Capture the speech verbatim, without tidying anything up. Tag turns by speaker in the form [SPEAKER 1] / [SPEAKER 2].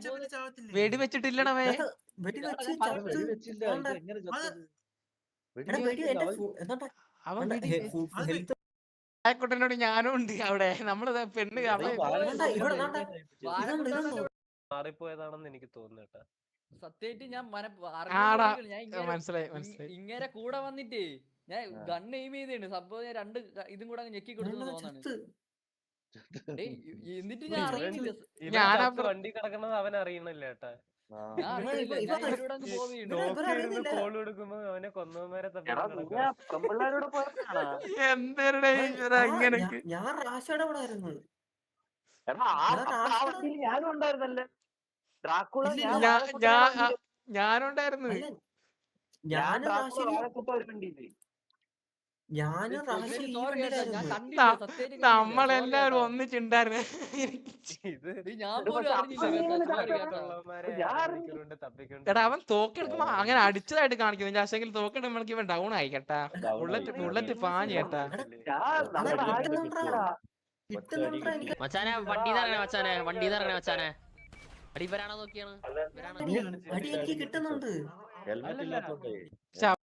[SPEAKER 1] വെടി വെച്ചിട്ടില്ലടവേ. അവൻ ആയിക്കോട്ടെന്നോട് ഞാനും ഉണ്ട് അവിടെ. നമ്മള് പെണ്ണ്
[SPEAKER 2] മാറിപ്പോയതാണെന്ന് എനിക്ക് തോന്നുന്നു.
[SPEAKER 3] സത്യമായിട്ട് ഞാൻ
[SPEAKER 1] മനസ്സിലായി മനസ്സിലായി.
[SPEAKER 3] ഇങ്ങനെ കൂടെ വന്നിട്ടേ ഞാൻ ഗണ്ണ് എയിം ചെയ്തേണ്. സംഭവം ഞാൻ രണ്ട് ഇതും കൂടെ ഞെക്കി കൊടുത്തു തോന്നാണ്. എന്നിട്ട് ഞാൻ അറിയുന്നില്ല
[SPEAKER 2] വണ്ടി കിടക്കുന്നത് അവൻ അറിയണില്ല ഏട്ടാ. കോൾ കൊടുക്കുമ്പോ അവനെ കൊന്നവന്മാരെ
[SPEAKER 4] ഞാൻ റാഷയുടെ കൂടെ ആയിരുന്നു.
[SPEAKER 5] ഞാനും ഉണ്ടായിരുന്നല്ലേ.
[SPEAKER 1] ഞാനുണ്ടായിരുന്നു.
[SPEAKER 4] ഞാന്
[SPEAKER 1] നമ്മളെല്ലാരും ഒന്നിച്ചുണ്ടായിരുന്നു. എടാ അവൻ തോക്കെടുക്കുമ്പോ അങ്ങനെ അടിച്ചതായിട്ട് കാണിക്കുന്നു. പക്ഷെങ്കിൽ തോക്കെടുമ്പോഴേക്ക് ഇവൻ ഡൗൺ ആയി കേട്ടാ. ബുള്ളറ്റ് ബുള്ളറ്റ് പാഞ്ഞു കേട്ടാ.
[SPEAKER 6] മച്ചാനെ വണ്ടി മച്ചാനെ വണ്ടി മച്ചാനെ അടിപ്പരാണോ നോക്കിയാണ്
[SPEAKER 4] കിട്ടുന്നുണ്ട്.